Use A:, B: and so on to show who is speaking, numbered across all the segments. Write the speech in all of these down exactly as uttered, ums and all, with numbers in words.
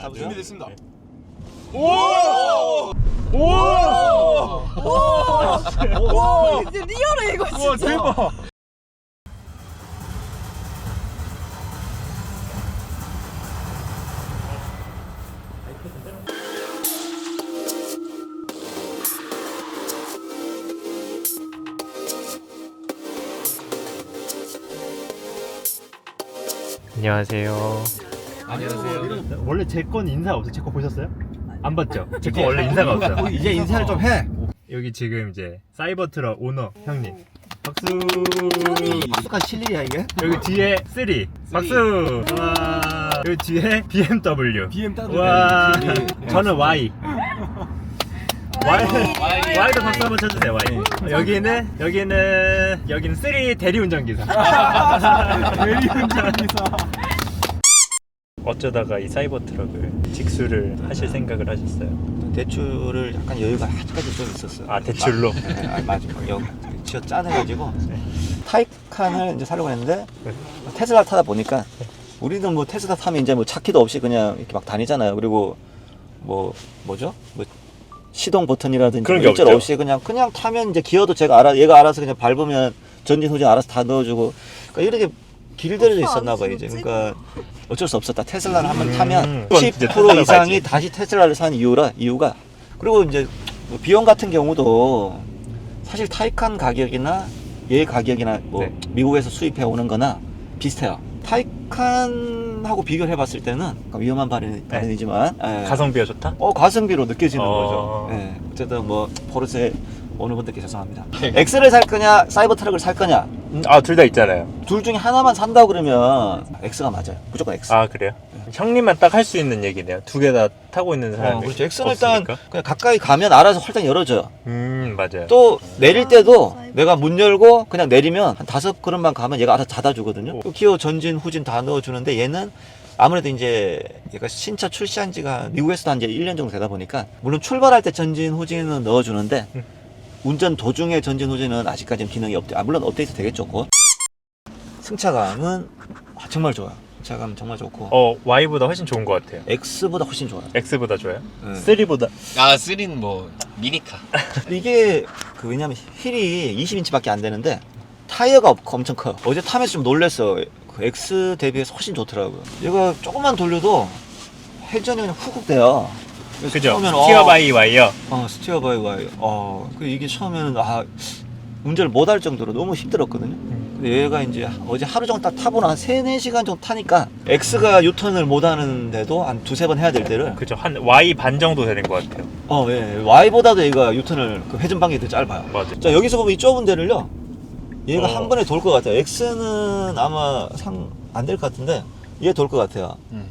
A: 잡으세요.
B: 준비됐습니다.
A: 네.
B: 오! 오! 오!
C: 와 리얼해 이거 진짜.
B: 와 대박.
A: 안녕하세요.
B: 안녕하세요.
A: 원래 제 건 인사 없어요? 제 거 보셨어요? 안 봤죠? 제 거 원래 인사가 없어요.
D: 이제 인사를 좀 해.
A: 여기 지금 이제 사이버 트럭 오너 형님. 박수.
D: 익숙한 실력이야 이게.
A: 여기 뒤에 쓰리. 박수. 와. 여기 뒤에 비엠더블유.
B: 비엠더블유.
A: 와.
D: 그렇지.
A: 저는 Y. Y.
C: Y.
A: Y도 박수 한번 쳐주세요. Y. 여기는 여기는 여기는 쓰리 대리운전기사.
B: 대리운전기사.
A: 어쩌다가 이 사이버 트럭을 직수를 하실 생각을 하셨어요?
D: 대출을 약간 여유가 아직까지 좀 있었어요.
A: 아, 대출로?
D: 아, 네, 아, 맞아. 여기 지어 짜내가지고 타이칸을 이제 사려고 했는데 테슬라 타다 보니까 우리는 뭐 테슬라 타면 이제 뭐 차키도 없이 그냥 이렇게 막 다니잖아요. 그리고 뭐 뭐죠? 뭐 시동 버튼이라든지
A: 그런
D: 뭐
A: 게
D: 일절
A: 없죠.
D: 없이 그냥 그냥 타면 이제 기어도 제가 알아 얘가 알아서 그냥 밟으면 전진 후진 알아서 다 넣어주고 그러니까 이렇게 길들여져 있었나 봐요 이제. 그러니까 어쩔 수 없었다. 테슬라를 한번 타면
A: 음,
D: 십
A: 이제
D: 퍼센트
A: 테슬라를
D: 이상이
A: 봐야지.
D: 다시 테슬라를 산 이유라 이유가 그리고 이제 뭐 비용 같은 경우도 사실 타이칸 가격이나 얘 가격이나 뭐
A: 네.
D: 미국에서 수입해 오는 거나 비슷해요. 타이칸하고 비교를 해봤을 때는 위험한 발언, 발언이지만 예.
A: 가성비가 좋다?
D: 어 가성비로 느껴지는
A: 어.
D: 거죠. 예. 어쨌든 뭐 포르쉐 오는 분들께 죄송합니다. X를 살 거냐 사이버 트럭을 살 거냐
A: 음, 아, 둘 다 있잖아요.
D: 둘 중에 하나만 산다고 그러면 X가 맞아요. 무조건 X.
A: 아, 그래요? 형님만 딱 할 수 있는 얘기네요. 두 개 다 타고 있는 사람이
D: 어, 그렇죠. X는 일단
A: 없으니까.
D: 그냥 가까이 가면 알아서 활짝 열어줘요.
A: 음, 맞아요.
D: 또 내릴 때도
C: 사이버.
D: 내가 문 열고 그냥 내리면 한 다섯 걸음만 가면 얘가 알아서 닫아주거든요.
A: 오.
D: 또 기어 전진 후진 다 넣어주는데 얘는 아무래도 이제 얘가 신차 출시한 지가 미국에서도 한 이제 일 년 정도 되다 보니까 물론 출발할 때 전진 후진은 넣어주는데
A: 음.
D: 운전 도중에 전진 후진은 아직까지는 기능이 없대. 아 물론 업데이트 되겠죠. 곧. 승차감은 아, 정말 좋아요. 승차감 정말 좋고
A: 어, Y보다 훨씬 좋은 것 같아요.
D: X보다 훨씬 좋아요.
A: X보다 좋아요?
D: 네.
A: 쓰리보다.
B: 아 쓰리는 뭐 미니카.
D: 이게 그 왜냐면 힐이 이십 인치밖에 안 되는데 타이어가 없- 엄청 커요. 어제 타면서 좀 놀랬어. 그 X 대비해서 훨씬 좋더라고요. 얘가 조금만 돌려도 회전이 그냥 훅훅 돼요. 그래서
A: 그죠?
D: 처음에는
A: 스티어
D: 어,
A: 바이 Y요.
D: 어 스티어 바이 와이. 어, 그 이게 처음에는 아 운전을 못 할 정도로 너무 힘들었거든요. 근데 얘가 이제 어제 하루 종일 딱 타보나 한 세네 시간 정도 타니까 X가 유턴을 못 하는데도 한 두세 번 해야 될 때를
A: 그죠? 한 Y 반 정도 되는 것 같아요.
D: 어, 예. Y보다도 얘가 유턴을 그 회전 방향이 더 짧아요.
A: 맞아요.
D: 자, 여기서 보면 이 좁은 데를요. 얘가
A: 어.
D: 한 번에 돌 것 같아요. X는 아마 상 안 될 것 같은데 얘 돌 것 같아요.
B: 음.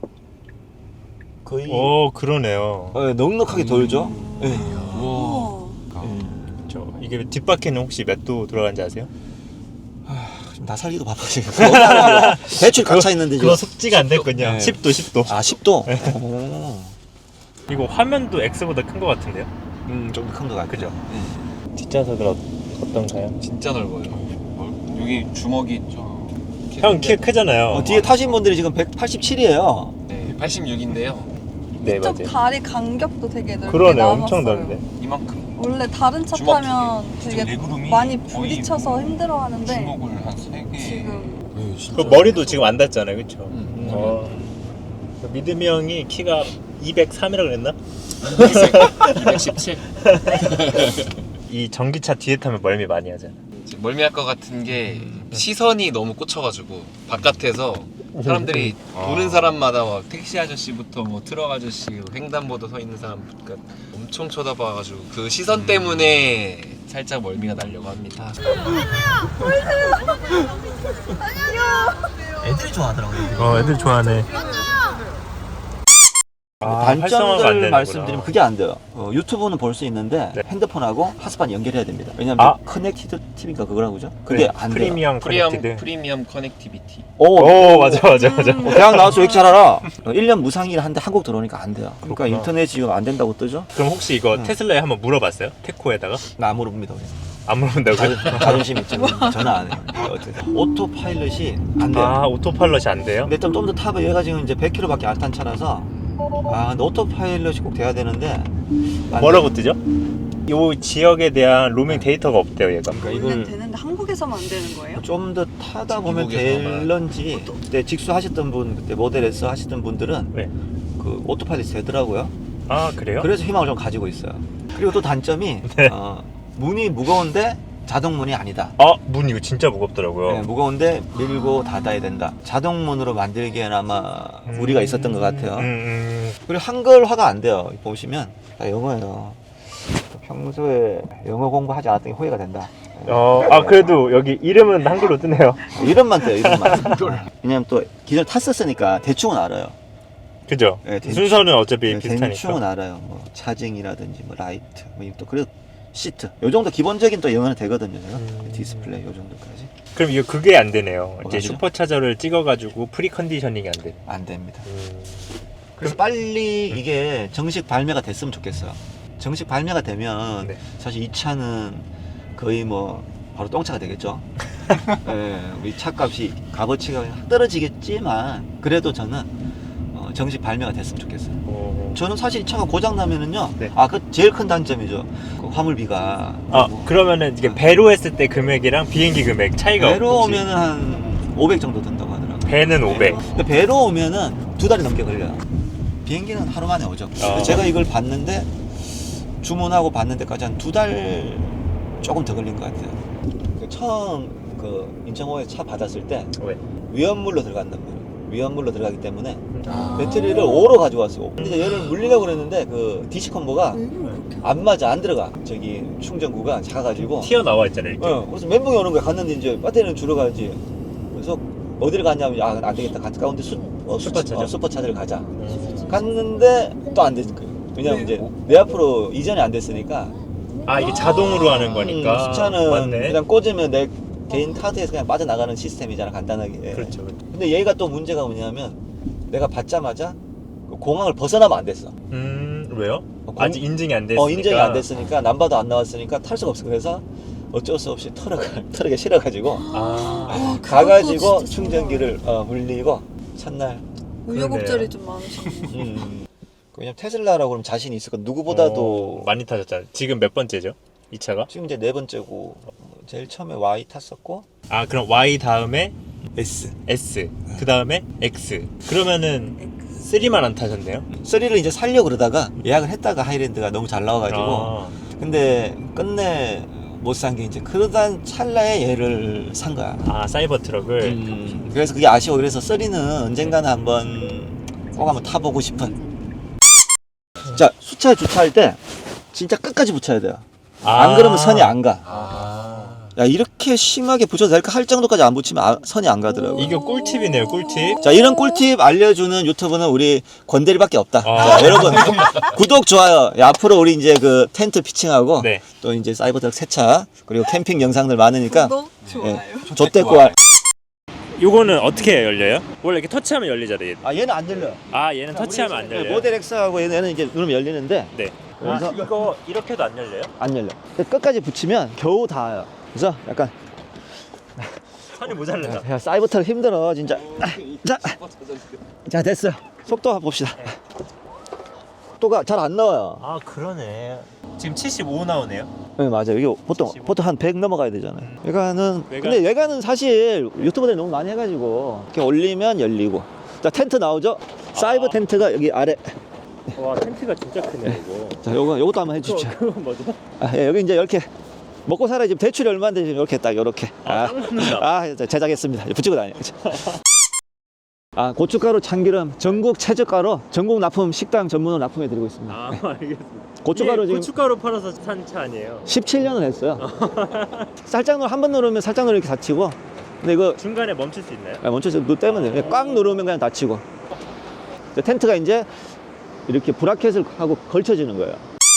D: 거의
A: 오, 그러네요.
D: 어, 예, 넉넉하게 돌죠. 예.
B: 우와.
D: 예.
A: 저 이게 뒷바퀴는 혹시 몇 도 돌아가는지 아세요?
D: 지금 나 살기도 바쁘지. 대출 꽉 차 있는데 지금.
A: 그거 숙지가 안 됐군요.
D: 네.
A: 십 도, 십 도.
D: 아, 십 도. 오.
A: 이거 화면도 X보다 큰 것 같은데요?
D: 음, 좀 큰 것 같아요.
A: 그죠?
D: 예.
A: 뒷좌석은 어, 어떤가요?
B: 진짜 넓어요. 넓- 여기 주먹이 좀.
A: 형 키 크잖아요.
D: 어, 뒤에 타신 분들이 지금 백팔십칠이에요.
B: 네, 팔십육인데요.
A: 네,
C: 이쪽
A: 맞아요.
C: 다리 간격도 되게 넓게
A: 그러네,
C: 남았어요.
A: 엄청 넓네.
B: 이만큼.
C: 원래 다른 차
B: 주먹
C: 타면
B: 크기.
C: 되게
B: 레그룸이
C: 많이
B: 거의
C: 부딪혀서 힘들어하는데
B: 주먹을 한 세 개.
C: 지금
B: 네, 진짜.
A: 그 머리도 지금 안 닿잖아요, 그렇죠?
B: 음.
A: 어. 미드미 형이 키가 이백삼이라고 그랬나?
B: 이백십칠.
A: 이 전기차 뒤에 타면 멀미 많이 하잖아.
B: 이제 멀미할 것 같은 게 시선이 너무 꽂혀가지고 바깥에서 사람들이
A: 아.
B: 보는 사람마다 막 택시 아저씨부터 뭐 트럭 아저씨, 횡단보도 서 있는 사람 그러니까 엄청 쳐다봐가지고 그 시선 때문에 살짝 멀미가 나려고 합니다.
D: 애들이 좋아하더라고요.
A: 어, 애들 좋아하네. 아, 활성화가 안
D: 단점들
A: 되는구나.
D: 말씀드리면 그게 안 돼요. 어, 유튜브는 볼 수 있는데
A: 네.
D: 핸드폰하고 핫스팟 연결해야 됩니다. 왜냐면
A: 아.
D: 커넥티드 티비인가 그거라고 그죠? 그게
A: 네,
D: 안 돼요.
A: 프리미엄
B: 프리미엄
A: 커넥티드.
B: 프리미엄 커넥티비티.
D: 오,
A: 오, 맞아, 맞아, 맞아.
D: 어, 대학 나와서 왜 이렇게 잘 알아? 어, 일 년 무상이라 하는데 한국 들어오니까 안 돼요. 그러니까
A: 그렇구나.
D: 인터넷 지금 안 된다고 뜨죠?
A: 그럼 혹시 이거
D: 음.
A: 테슬라에 한번 물어봤어요? 테코에다가?
D: 나 안 물어봅니다. 우리.
A: 안 물어본다고요?
D: 자존, 자존심 있죠. 전화 안 해요. 어쨌든 오토 파일럿이 안 돼요.
A: 아, 오토파일럿이 안 돼요?
D: 근데 좀 더 타봐. 얘가 지금 이제 백 킬로미터밖에 안 탄 차라서 아 근데 오토파일럿이 꼭 돼야 되는데 안
A: 뭐라고 뜨죠? 요 지역에 대한 로밍 데이터가 없대요 얘가.
D: 그러니까
C: 원래는
D: 이걸
C: 되는데 한국에서만 안 되는 거예요?
D: 좀 더 타다 보면
B: 미국에서만.
D: 될런지 그때 직수하셨던 분 그때 모델에서 하시던 분들은
A: 네.
D: 그 오토파일럿이 되더라고요.
A: 아 그래요?
D: 그래서 희망을 좀 가지고 있어요. 그리고 또 단점이
A: 네.
D: 어, 문이 무거운데 자동문이 아니다.
A: 아, 문 이거 진짜 무겁더라고요.
D: 네, 무거운데 밀고 닫아야 된다. 자동문으로 만들기에는 아마 무리가 있었던 것 같아요.
A: 음, 음.
D: 그리고 한글화가 안 돼요. 보시면 다 영어예요. 평소에 영어 공부하지 않았던 게 후회가 된다.
A: 어, 아 그래도 여기 이름은 한글로 뜨네요.
D: 이름만 돼요. 이름만. 왜냐면 또 기존에 탔었으니까 대충은 알아요.
A: 그죠?
D: 네, 대충-
A: 순서는 어차피
D: 네,
A: 비슷하니까.
D: 대충은 알아요. 뭐 차징이라든지 뭐 라이트, 뭐또 그리고 시트. 요 정도 기본적인 또 영어는 되거든요. 제가.
A: 음.
D: 디스플레이 요 정도까지
A: 그럼 이거 그게 안 되네요.
D: 뭐가
A: 이제
D: 되죠?
A: 슈퍼차저를 찍어가지고 프리 컨디셔닝이 안 돼.
D: 안 됩니다.
A: 음.
D: 그래서 빨리 이게 정식 발매가 됐으면 좋겠어요. 정식 발매가 되면
A: 네.
D: 사실 이 차는 거의 뭐 바로 똥차가 되겠죠. 예, 우리 차값이 값어치가 떨어지겠지만 그래도 저는 어, 정식 발매가 됐으면 좋겠어요.
A: 어.
D: 저는 사실 이 차가 고장 나면은요.
A: 네.
D: 아, 그 제일 큰 단점이죠. 그 화물비가.
A: 아
D: 뭐
A: 그러면은 이게 배로 했을 때 금액이랑 비행기 금액 차이가
D: 배로
A: 혹시-
D: 오면은 한 오백 정도 든다고 하더라고요.
A: 배는 오백.
D: 근데 배로 오면은 두 달이 넘게 걸려요. 비행기는 하루 만에 오죠.
A: 아.
D: 제가 이걸 봤는데 주문하고 받는 데까지 한 두 달 조금 더 걸린 것 같아요. 그 처음 그 인천호에 차 받았을 때
A: 왜?
D: 위험물로 들어간단 말이에요. 위험물로 들어가기 때문에
C: 아.
D: 배터리를 오로 가져왔어요. 근데 이제 얘를 물리려고 그랬는데 그 디시 콤보가
C: 음, 그렇게.
D: 안 맞아, 안 들어가. 저기 충전구가 작아가지고.
A: 튀어나와 있잖아요 이렇게.
D: 어, 그래서 멘붕이 오는 거야. 갔는데 이제 배터리는 줄어가지. 그래서 어디를 갔냐면 아, 안 되겠다. 가까운데 수, 어,
A: 슈퍼차저?
D: 어, 슈퍼차저를 가자.
A: 음.
D: 갔는데 또 안 됐을 거예요. 왜냐면 이제 내 앞으로 이전이 안 됐으니까.
A: 아 이게 자동으로 하는 거니까.
D: 음, 수차는
A: 맞네.
D: 그냥 꽂으면 내 개인 카드에서 그냥 빠져나가는 시스템이잖아, 간단하게.
A: 그렇죠.
D: 근데 얘가 또 문제가 뭐냐면 내가 받자마자 그 공항을 벗어나면 안 됐어.
A: 음 왜요?
D: 공-
A: 아직 인증이 안 됐으니까.
D: 어, 인증이 안 됐으니까 남바도 안 나왔으니까 탈 수가 없어. 그래서 어쩔 수 없이 트럭을 트럭에 실어가지고
A: 아.
C: 아,
D: 가가지고
C: 그것도 진짜
D: 충전기를 어, 물리고 첫날.
C: 우여곡절이 좀 많으셨네.
D: 음. 왜냐면 테슬라라고 그러면 자신이 있을 거 누구보다도
A: 어, 많이 타셨잖아요. 지금 몇 번째죠? 이 차가?
D: 지금 이제 네 번째고 제일 처음에 Y 탔었고
A: 아 그럼 Y 다음에
D: S.
A: S 그 다음에 X 그러면은 삼만 안 타셨네요?
D: 쓰리를 이제 살려고 그러다가 예약을 했다가 하이랜드가 너무 잘 나와가지고
A: 아,
D: 근데 끝내 못 산 게 이제 그러던 찰나에 얘를 산 거야.
A: 아 사이버 트럭을
D: 음, 그래서 그게 아쉬워. 그래서 쓰리는 언젠가는 한번 꼭 한번 타보고 싶은. 자, 수차에 주차할 때 진짜 끝까지 붙여야 돼요. 안
A: 아.
D: 그러면 선이 안 가.
B: 아.
D: 야, 이렇게 심하게 붙여도 될까 할 정도까지 안 붙이면 아- 선이 안 가더라고.
A: 이게 꿀팁이네요 꿀팁.
D: 자, 이런 꿀팁 알려주는 유튜브는 우리 권대리밖에 없다.
A: 아.
D: 자, 여러분 구독 좋아요. 야, 앞으로 우리 이제 그 텐트 피칭하고
A: 네.
D: 또 이제 사이버트럭 세차 그리고 캠핑 영상들 많으니까
C: 구독, 좋아요.
D: 좆대고 할.
A: 요거는 어떻게 열려요? 원래 이렇게 터치하면 열리잖아요 얘.
D: 아, 얘는 안 열려.
A: 아 얘는 터치하면 안 열려요?
D: 모델 X하고 얘는 이제 누르면 열리는데
A: 네.
D: 그래서-
A: 아, 이거 이렇게도 안 열려요?
D: 안 열려. 근데 끝까지 붙이면 겨우 닿아요. 그래서 약간
A: 선이 모자른다.
D: 야, 사이버트럭 힘들어 진짜. 자, 자 됐어. 속도 봅시다. 속도가 잘 안 나와요.
A: 아 그러네. 지금 칠십오 나오네요.
D: 네, 맞아요. 이게 보통
A: 칠십오.
D: 보통 한 백 넘어가야 되잖아요. 외관은
A: 외관?
D: 근데 외관은 사실 유튜버들이 너무 많이 해가지고 이렇게 올리면 열리고. 자, 텐트 나오죠? 사이버
A: 아.
D: 텐트가 여기 아래.
A: 와 텐트가 진짜 크네 이거.
D: 자, 요거 요것도 한번 해주십시오.
A: 그건 뭐죠?
D: 아, 예, 여기 이제 이렇게 먹고 살아야 지금 대출이 얼마인데 지금 이렇게 딱 이렇게.
A: 아, 딱 맞는다.
D: 아, 제작했습니다. 붙이고 다녀. 아, 고춧가루, 참기름, 전국 최저가로 전국 납품 식당 전문으로 납품해 드리고 있습니다.
A: 아 알겠습니다.
D: 고춧가루
A: 이게
D: 지금
A: 고춧가루 팔아서 산 차 아니에요?
D: 십칠 년을 했어요. 살짝 누르 한번 누르면 살짝 누르면 이렇게 닫히고. 근데 이거
A: 중간에 멈출 수 있나요?
D: 아, 멈춰서 누 때문에 그냥 꽉 누르면 그냥 닫히고. 이제 텐트가 이제 이렇게 브라켓을 하고 걸쳐지는 거예요.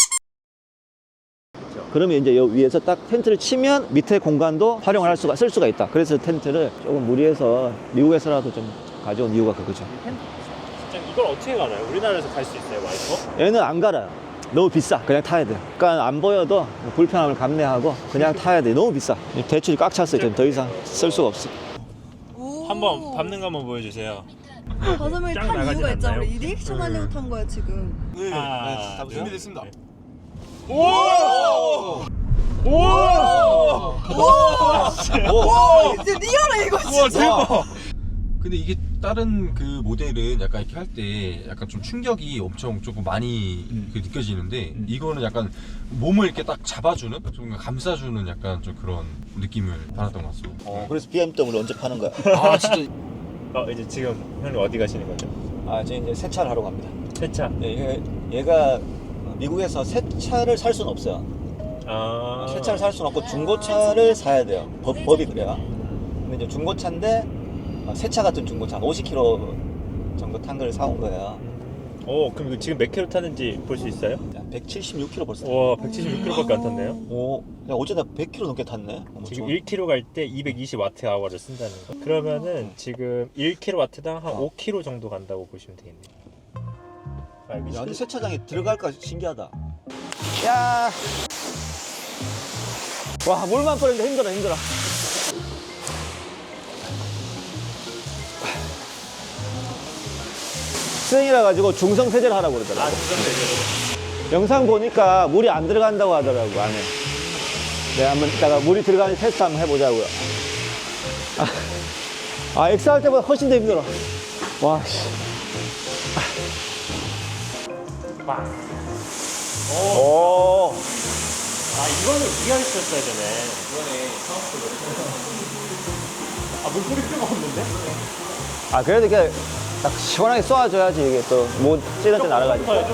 D: 그러면 이제 여기 위에서 딱 텐트를 치면 밑에 공간도 활용을 할 수가 쓸 수가 있다. 그래서 텐트를 조금 무리해서 미국에서라도 좀 가져온 이유가 그거죠.
A: 진짜 이걸 어떻게 갈아요? 우리나라에서 갈 수 있어요 와이퍼?
D: 얘는 안 갈아요. 너무 비싸. 그냥 타야 돼. 그러니까 안 보여도 불편함을 감내하고 그냥 타야 돼. 너무 비싸. 대출이 꽉 찼어요. 지금 더 이상 쓸 수가 없어.
C: 오.
A: 한번 밟는 거 한번 보여주세요.
C: 다섯 명이
A: 쫙
C: 탄
A: 나가진
C: 이유가 있잖아.
A: 않나요?
C: 우리 리액션 하려고 탄 거야 지금.
D: 네.
A: 아,
D: 네,
B: 준비됐습니다.
A: 오! 오! 오!
D: 오!
C: 이제 리얼해 이거
A: 우와,
C: 진짜.
A: 대박!
E: 근데 이게 다른 그 모델은 약간 이렇게 할 때 약간 좀 충격이 엄청 조금 많이
A: 음.
E: 그 느껴지는데
A: 음.
E: 이거는 약간 몸을 이렇게 딱 잡아주는 좀 감싸주는 약간 좀 그런 느낌을 받았던 것 같습니다.
D: 어, 그래서 비엠더블유 언제 파는 거야?
E: 아 진짜
A: 어, 이제 지금 형님 어디 가시는 거죠?
D: 아, 저 이제 세차를 하러 갑니다.
A: 세차.
D: 예, 얘, 얘가 미국에서 새 차를 살 수는 없어요.
A: 아.
D: 새 차를 살 수는 없고 중고차를 사야 돼요. 법, 법이 그래요. 근데 이제 중고차인데 어, 새차 같은 중고차 오십 킬로미터 정도 탄 걸 사온 거예요.
A: 오, 그럼 이거 지금 몇 킬로 탔는지 볼 수 있어요?
D: 백칠십육 킬로미터 벌써.
A: 와, 백칠십육 킬로미터밖에 안 탔네요.
D: 오, 야 어제나 백 킬로미터 넘게 탔네. 어머,
A: 지금
D: 좋아.
A: 일 킬로미터 갈 때 이백이십 와트아워를 쓴다는 거. 그러면은 지금 일 킬로와트당 한
D: 어.
A: 오 킬로미터 정도 간다고 보시면 되겠네요. 아, 여기
D: 야, 근데
A: 실-
D: 세차장에 들어갈까 신기하다. 야, 와 물만 뿌리는데 힘들어 힘들어. 스윙이라 가지고 중성 세제를 하라고 그러더라고.
A: 아, 중성 되죠.
D: 영상 보니까 물이 안 들어간다고 하더라고 안에. 내가 한번 이따가 물이 들어가는지 테스트 한번 해보자고요. 아, 아 엑스 할 때보다 훨씬 더 힘들어. 와, 씨. 오.
A: 아, 이거는 우리가 했었어야 되네. 이번에 아, 물뿌릴 필요가 없는데?
D: 아, 그래도 이렇게 딱 시원하게 쏘아줘야지 이게 또 뭐 찌는 데 날아가니까.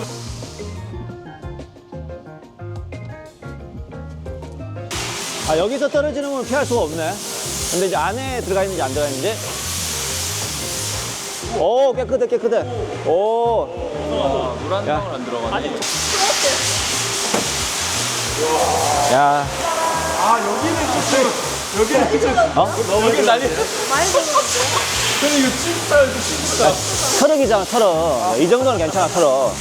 D: 아, 여기서 떨어지는 건 피할 수가 없네. 근데 이제 안에 들어가 있는지 안 들어가 있는지. 오, 깨끗해, 깨끗해. 오.
B: 물한
D: 야.
B: 방울 안 들어가네.
D: 야.
A: 아, 여기는 진짜 여기는 진짜
D: 어?
A: 여기 난리.
C: 많이 들었는데.
A: 근데 이거 진짜 이거 진짜.
D: 트럭이잖아, 트럭. 이 정도는 괜찮아, 트럭.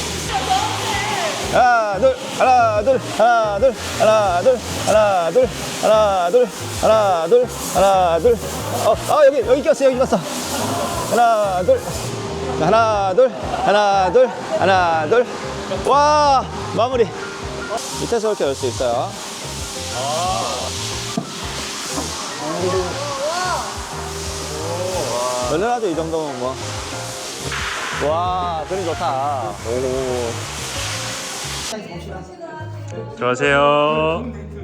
D: 하나, 둘, 하나, 둘, 하나, 둘, 하나, 둘, 하나, 둘, 하나, 둘, 하나, 둘, 하나, 둘. 어, 아, 여기, 여기 꼈어, 여기 꼈어. 하나, 둘, 하나, 둘, 하나, 둘, 하나, 둘. 와, 마무리. 밑에서 이렇게 열 수 있어요. 열려라도 이 정도면 뭐. 와, 그림 좋다. 오.
A: 들어가세요.